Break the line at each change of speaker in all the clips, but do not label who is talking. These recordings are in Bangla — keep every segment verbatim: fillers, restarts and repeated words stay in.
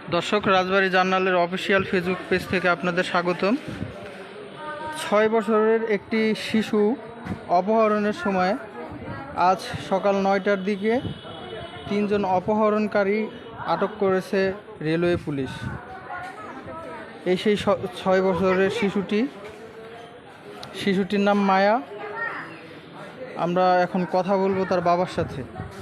দর্শক, রাজবাড়ী জার্নালের অফিসিয়াল ফেসবুক পেজ থেকে আপনাদের স্বাগতম। ছয় বছরের একটি শিশু অপহরণের সময় আজ সকাল নয়টার দিকে তিনজন অপহরণকারী আটক করেছে রেলওয়ে পুলিশ। এই সেই ছয় বছরের শিশুটি শিশুটির নাম মায়া। আমরা এখন কথা বলবো তার বাবার সাথে।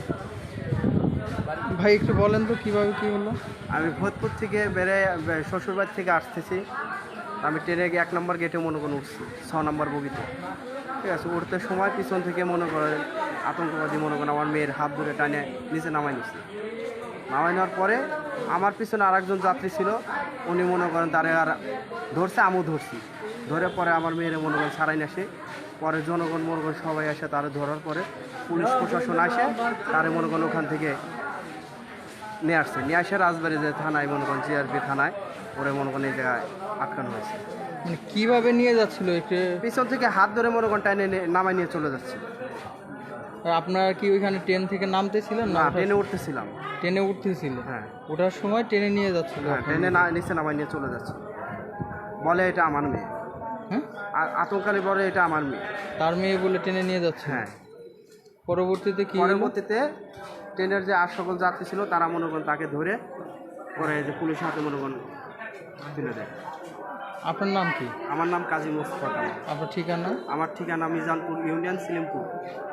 ভাই, একটু বলেন তো কীভাবে কী হলো?
আমি ভোজপুর থেকে বেড়ে শ্বশুরবাড়ি থেকে আসতেছি। আমি ট্রেনে গিয়ে এক নম্বর গেটে মনে করেন উঠছি, ছ নম্বর বগিতে। ঠিক আছে, উঠতে সময় পিছন থেকে মনে করেন আতঙ্কবাদী মনে করেন আমার মেয়ের হাত ধরে টানে নিচে নামাই নিচ্ছে। নামাই নেওয়ার পরে আমার পিছনে আর একজন যাত্রী ছিল, উনি মনে করেন তারে আর ধরছে, আমিও ধরছি। ধরে পরে আমার মেয়ের মনে করেন ছাড়াই না আসে। পরে জনগণ মনে করেন সবাই আসে, তারে ধরার পরে পুলিশ প্রশাসন আসে, তারে মনে করেন ওখান থেকে নিয়ে আসছে। নিয়ে আসে রাজবাড়ি যে থানায় মনে করেন জিআরপি থানায় ওরে মনে করেন এই জায়গায় আটকানো হয়েছে।
মানে কীভাবে নিয়ে যাচ্ছিল? একটু
পিছন থেকে হাত ধরে মনে করেন টাইনে নামাই নিয়ে চলে যাচ্ছে।
আপনারা কি ওইখানে ট্রেন থেকে নামতেছিলেন?
না, ট্রেনে উঠতেছিলাম।
ট্রেনে উঠতেছিল?
হ্যাঁ।
ওঠার সময় ট্রেনে নিয়ে যাচ্ছিল?
হ্যাঁ, ট্রেনে না নিচে নামাই নিয়ে চলে যাচ্ছে। বলে এটা আমার মেয়ে।
হ্যাঁ,
আতঙ্কালী বলে এটা আমার মেয়ে।
তার মেয়ে বলে ট্রেনে নিয়ে যাচ্ছে?
হ্যাঁ।
পরবর্তীতে কি?
পরবর্তীতে ট্রেনের যে আর সকল যাত্রী ছিল তারা মনে করেন তাকে ধরে পরে যে পুলিশের হাতে মনে করেন তুলে দেয়।
আপনার নাম কি?
আমার নাম কাজী মোস্তফা কামাল।
আপনার ঠিকানা?
আমার ঠিকানা মিজানপুর ইউনিয়ন, সিলিমপুর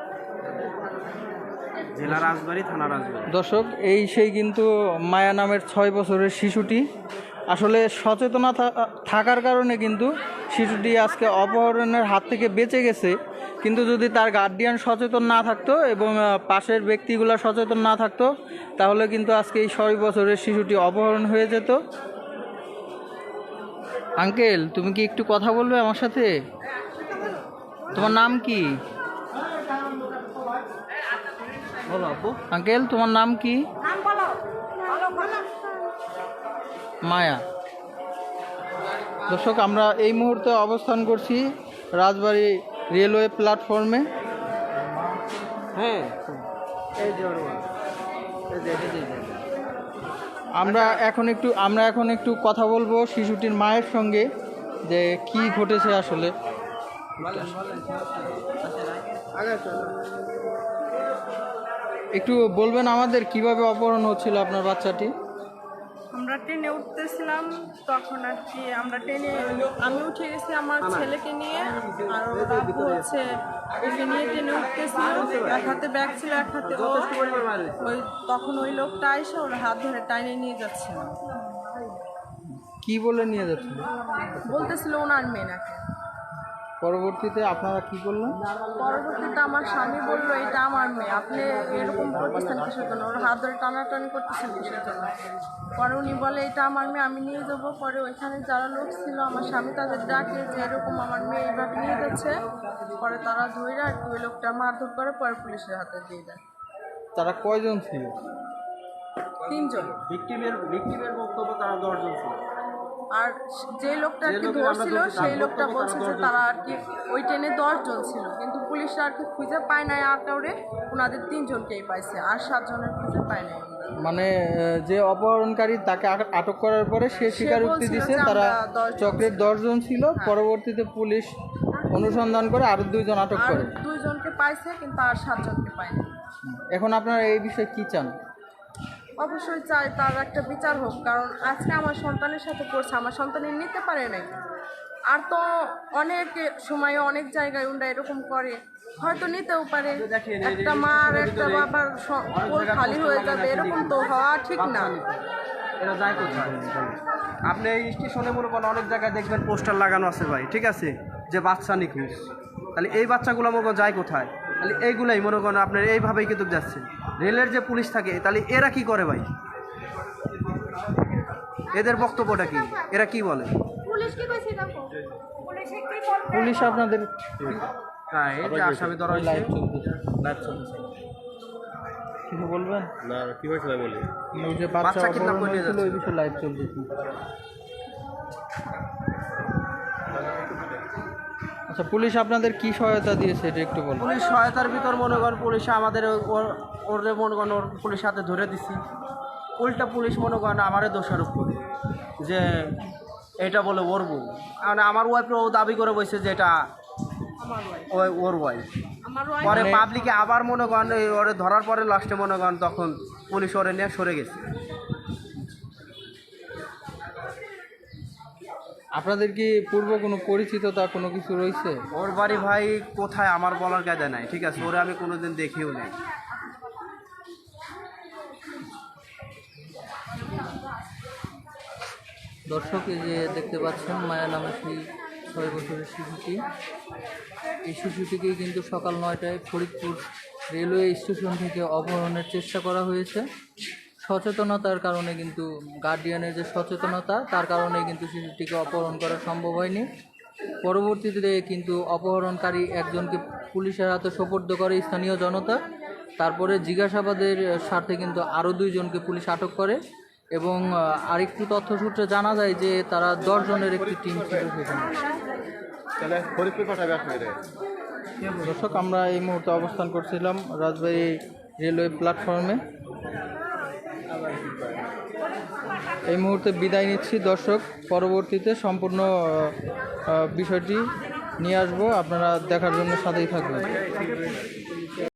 জেলা, রাজবাড়ী থানা, রাজবাড়ী।
দর্শক, এই সেই কিন্তু মায়া নামের ছয় বছরের শিশুটি। আসলে সচেতনা থাকার কারণে কিন্তু শিশুটি আজকে অপহরণের হাত থেকে বেঁচে গেছে। কিন্তু যদি তার গার্ডিয়ান সচেতন না থাকতো এবং পাশের ব্যক্তিগুলো সচেতন না থাকতো, তাহলে কিন্তু আজকে এই ছয় বছরের শিশুটি অপহরণ হয়ে যেত। আঙ্কেল, তুমি কি একটু কথা বলবে আমার সাথে? তোমার নাম কি?
বলো আপু।
আঙ্কেল, তোমার নাম কি? মায়া। দর্শক, আমরা এই মুহূর্তে অবস্থান করছি রাজবাড়ী রেলওয়ে প্ল্যাটফর্মে।
হ্যাঁ,
আমরা এখন একটু আমরা এখন একটু কথা বলবো শিশুটির মায়ের সঙ্গে, যে কি ঘটেছে আসলে। একটু বলবেন আমাদের কিভাবে অপহরণ হচ্ছিল আপনার বাচ্চাটি?
আমরা ট্রেনে উঠতেছিলাম, তখন আর কি আমরা ট্রেনে আমি উঠে গেছি আমার ছেলেকে নিয়ে, আর ওরা হচ্ছে ওকে নিয়ে ট্রেনে উঠতেছিল। এক হাতে ব্যাগ ছিল, এক হাতে ও। ওই তখন ওই লোকটা এসে ওর হাত ধরে টাইনে নিয়ে যাচ্ছিল।
কি বলে নিয়ে যাচ্ছিল?
বলতেছিল ওনার মেয়ে নাকি।
পরবর্তীতে আপনারা কি করলেন?
পরবর্তীতে আমার স্বামী বললো এটা আমার মেয়ে, আপনি এরকম করতেছেন কিসের জন্য? ওর হাত ধরে টানাটানি করতেছেন কিসের জন্য? পরে উনি বলে এটা আমার মেয়ে, আমি নিয়ে যাবো। পরে ওইখানে যারা লোক ছিল আমার স্বামী তাদের ডাকে যে এরকম আমার মেয়ে এইভাবে নিয়ে যাচ্ছে। পরে তারা ধরে আর কি ওই লোকটা মারধর করে, পরে পুলিশের হাতে দিয়ে দেয়।
তারা কয়জন ছিল?
তিনজন।
ভিকটিমের ভিকটিমের বক্তব্য তারা দশজন ছিল।
আর যে লোকটা আর কি ধরছিল সেই লোকটা বলছে যে তারা আর কি ওই ট্রেনে দশজন ছিল, কিন্তু পুলিশরা আর কি খুঁজে পায় নাই আর কাউরে, ওনাদের তিনজনকেই পাইছে, আর সাতজনের খুঁজে পায় নাই।
মানে যে অপহরণকারী তাকে আটক করার পরে সে স্বীকারোক্তি দিছে তারা চক্রের দশজন ছিল। পরবর্তীতে পুলিশ অনুসন্ধান করে আরো দুইজন আটক করে।
দুইজনকে পাইছে, কিন্তু আর সাতজনকে পায়নি।
এখন আপনারা এই বিষয়ে কি চান?
অবশ্যই চাই তার একটা বিচার হোক, কারণ আজকে আমার সন্তানের সাথে করছে, আমার সন্তান নিতে পারে নাই। আর তো অনেক সময় অনেক জায়গায় ওরা এরকম করে, হয়তো নিতেও পারে। একটা মা আর একটা বাবার কোল খালি হয়ে যাবে, এরকম তো হওয়া ঠিক না।
এটা যায় কোথায়? আপনি এই স্টেশনে মনে করেন অনেক জায়গায় দেখবেন পোস্টার লাগানো আছে ভাই, ঠিক আছে, যে বাচ্চা নিখোঁজ। তাহলে এই বাচ্চাগুলো মনে করেন যায় কোথায়? তাহলে এইগুলাই মনে করেন আপনার এইভাবেই কিন্তু যাচ্ছে। রেলের যে পুলিশ থাকে তাহলে এরা কি করে ভাই? এদের বক্তব্যটা কি? এরা কি বলে?
পুলিশ আপনাদের
হ্যাঁ, এই যে আসামি ধরা হয়েছে।
লাইভ চলতেছে, লাইভ চলতেছে, কিছু বলবেন?
না, কি হয়েছিল বলি?
ওই যে বাচ্চা
বাচ্চা কিডন্যাপ
অপহরণ
করে নিয়ে
হয়েছিল,
যাচ্ছে।
ওই বিষয়ে লাইভ চলতেছে। আচ্ছা, পুলিশ আপনাদের কি সহায়তা দিয়েছে এটা একটু বলুন।
পুলিশ সহায়তার ভিতর মনে করেন পুলিশ আমাদের ওর ওর মনে করেন ওর পুলিশ হাতে ধরে দিছি। উল্টা পুলিশ মনে করেন আমারও দোষারোপ করে যে এটা বলে ওর বউ, মানে আমার ওয়াইফ ও দাবি করে বসে যে এটা
আমার ওয়াইফ
ওই ওর ওয়াইফ।
আমার ওয়াইফ
পরে
মানে-
পাবলিকে আবার মনে করেন এই ওরে ধরার পরে লাস্টে মনে করেন তখন পুলিশ ওরে নিয়ে সরে গেছে।
আপনাদের কি পূর্ব কোনো পরিচিততা কোনো কিছু রয়েছে?
ওর বাড়ি ভাই কোথায় আমার বলার কায়দা নাই, ঠিক আছে, ওরে আমি কোনোদিন দেখিও নাই।
দর্শক, এই যে দেখতে পাচ্ছেন মায়া নামে সেই ছয় বছরের শিশুটি, এই শিশুটিকেই কিন্তু সকাল নয়টায় ফরিদপুর রেলওয়ে স্টেশন থেকে অপহরণের চেষ্টা করা হয়েছে। সচেতনতার কারণে কিন্তু, গার্ডিয়ানের যে সচেতনতা তার কারণে কিন্তু শিশুটিকে অপহরণ করা সম্ভব হয়নি। পরবর্তীতে কিন্তু অপহরণকারী একজনকে পুলিশের হাতে সোপর্দ করে স্থানীয় জনতা। তারপরে জিজ্ঞাসাবাদের স্বার্থে কিন্তু আরও দুইজনকে পুলিশ আটক করে এবং আহ, আরেকটু তথ্য সূত্রে জানা যায় যে তারা দশ জনের একটি টিম ছিল সেখানে। দর্শক, আমরা এই মুহূর্তে অবস্থান করছিলাম রাজবাড়ী রেলওয়ে প্ল্যাটফর্মে। এই মুহূর্তে বিদায় নিচ্ছি দর্শক, পরবর্তীতে সম্পূর্ণ আহ, আহ, বিষয়টি নিয়ে আসবো, আপনারা দেখার জন্য সাথেই থাকবেন।